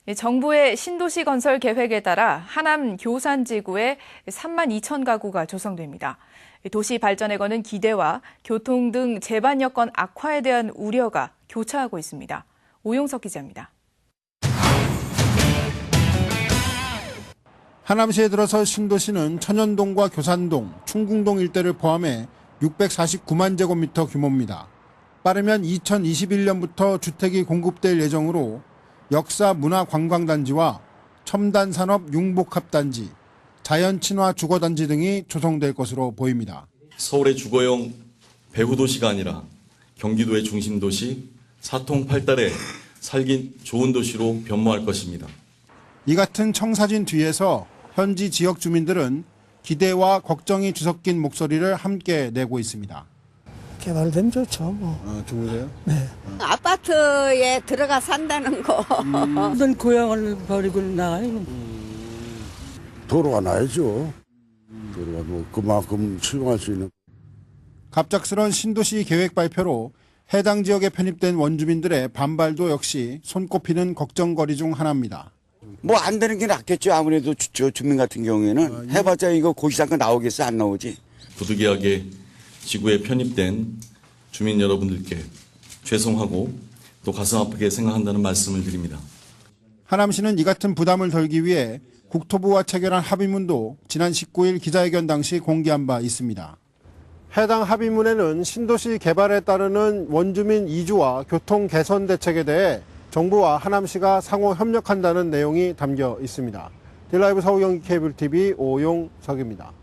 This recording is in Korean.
정부의 신도시 건설 계획에 따라 하남 교산지구에 3만 2천 가구가 조성됩니다. 도시 발전에 거는 기대와 교통 등 제반 여건 악화에 대한 우려가 교차하고 있습니다. 오용석 기자입니다. 하남시에 들어서 신도시는 천연동과 교산동, 충궁동 일대를 포함해 649만 제곱미터 규모입니다. 빠르면 2021년부터 주택이 공급될 예정으로 역사 문화관광단지와 첨단산업 융복합단지, 자연친화 주거단지 등이 조성될 것으로 보입니다. 서울의 주거용 배후도시가 아니라 경기도의 중심도시, 사통팔달의 살기 좋은 도시로 변모할 것입니다. 이 같은 청사진 뒤에서 현지 지역 주민들은 기대와 걱정이 뒤섞인 목소리를 함께 내고 있습니다. 개발되면 좋죠, 뭐. 아, 좋으세요? 네. 아파트에 들어가 산다는 거. 무슨 고향을 버리고 나가요? 도로가 나야죠. 도로가 뭐 그만큼 수용할 수 있는. 갑작스런 신도시 계획 발표로 해당 지역에 편입된 원주민들의 반발도 역시 손꼽히는 걱정거리 중 하나입니다. 뭐 안 되는 게 낫겠죠. 아무래도 주민 같은 경우에는 해봤자 이거 고시장가 나오겠어 안 나오지. 부득이하게 지구에 편입된 주민 여러분들께 죄송하고 또 가슴 아프게 생각한다는 말씀을 드립니다. 하남시는 이 같은 부담을 덜기 위해 국토부와 체결한 합의문도 지난 19일 기자회견 당시 공개한 바 있습니다. 해당 합의문에는 신도시 개발에 따르는 원주민 이주와 교통 개선 대책에 대해 정부와 하남시가 상호 협력한다는 내용이 담겨 있습니다. 딜라이브 서울 경기 케이블 TV 오용석입니다.